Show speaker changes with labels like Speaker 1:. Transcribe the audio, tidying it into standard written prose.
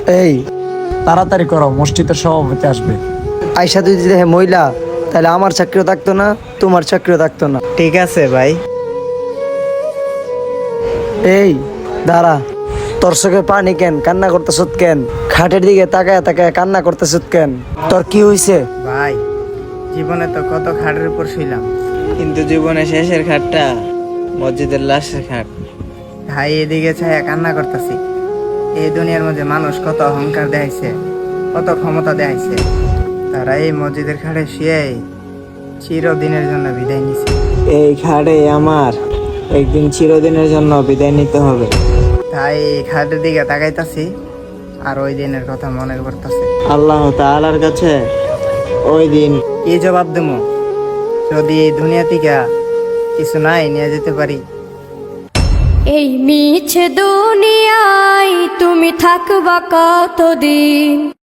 Speaker 1: এই তাড়াতাড়ি করো, মসজিদের সভাপতি আসবে।
Speaker 2: আয়সা যদি দেখে মহিলা, তাহলে আমার চাকরিও থাকতো না, তোমার চাকরিও থাকতো না।
Speaker 3: ঠিক আছে ভাই।
Speaker 2: এই দাঁড়া, তোর চোখে পানি কেন? কান্না করতেছ কেন? খাটের দিকে তাকায় তাকায় কান্না করতেছ কেন? তোর কি হইছে?
Speaker 3: ভাই, জীবনে তো কত খাটের উপর শুইলাম, কিন্তু জীবনে শেষের খাটটা মসজিদের লাশের খাট। ভাই, এদিকে ছায়া কান্না করতেছি। এই দুনিয়ার মধ্যে মানুষ কত অহংকার দেখাইছে, কত ক্ষমতা দেখাইছে, তারা এই মসজিদের খাটে শুয়ে চিরদিনের জন্য বিদায় নিছে। এই খাটে আমার একদিন চিরদিনের জন্য বিদায় নিতে হবে। তাই এই খাটের দিকে তাকাইতাছি আর ওই দিনের কথা মনে করতেছে। আল্লাহ তাআলার কাছে ওই দিন কি জবাব দেবো যদি এই দুনিয়া থেকে কিছু নাই নিয়ে যেতে পারি?
Speaker 4: এই মিছে দুনিয়ায় তুমি থাকবা কতদিন?